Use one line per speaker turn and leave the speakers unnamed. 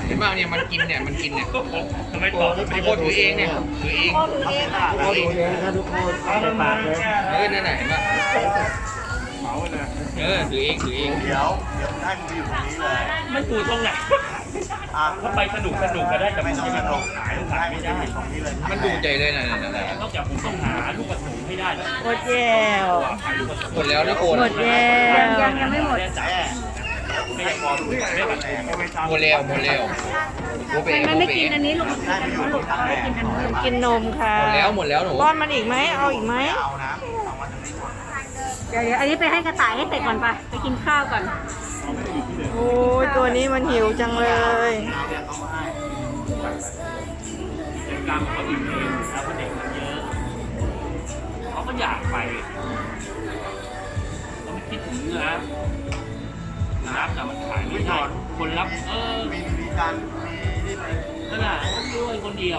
เห็นป่ะเนี่ยมันกินเนี่ย
ทำไมตอบ
ไอ้โคตรถือเองเนี่ยถือเอง
พ่อดูเองค่ะ
พ่อดูเองนะทุกคนเอาไปปากเลย
นั่นไหนเห็นป่ะ
เหมาเลย
ถือเอง
เดี๋ยวให้มึงไปอยู่ตรงนี้เลย
ไม่ปูตรงไหน
อ่ะ
ถ้าไปสนุกก็ได้แต่
ไม่
ไม่
ต้อง
ใช่
ส
มัน
นุก
ขาย
ให้
ขาย
มึ
ไม่
งไป
ได้
อยู่ตรงนี้เลย
มันดูใจเลยนะ
นอกจากผมต้องหาลูกกระสุนให้ได้แล้ว
หมดแล้ว
หมดแล้วนะโอน
หมดแล้วยังไม่หมด
แม่ให้พอดูไม่ได้แม่
หมดแล้วโอเป๋
มันไม่กินอันนี้ลูก
ได้ไปอยู่ตรงนั้นแม่
กินนมค่ะ
หมดแล้วหนู
ป้อนมันอีกไหมเอาอีกไหม
เอานะเอามาตรงนี้ก่อน
เดี๋ยวอันนี้ไปให้กระต่ายให้เสร็จก่อนไปกินข้าวก่อนโอ้ยตัวนี้มันหิวจังเลย
เอาเนี่ยเขามาให้
เด็กกรรมเขาอิ่มเองแล้วก็เด็กมันเยอะเขาก็อยากไปเขาไม่คิดถึงนะรับแต่มันขายไม่ได้คนรับ
มีการมีนี่ไป
นั่นแหละด้วยคนเดียว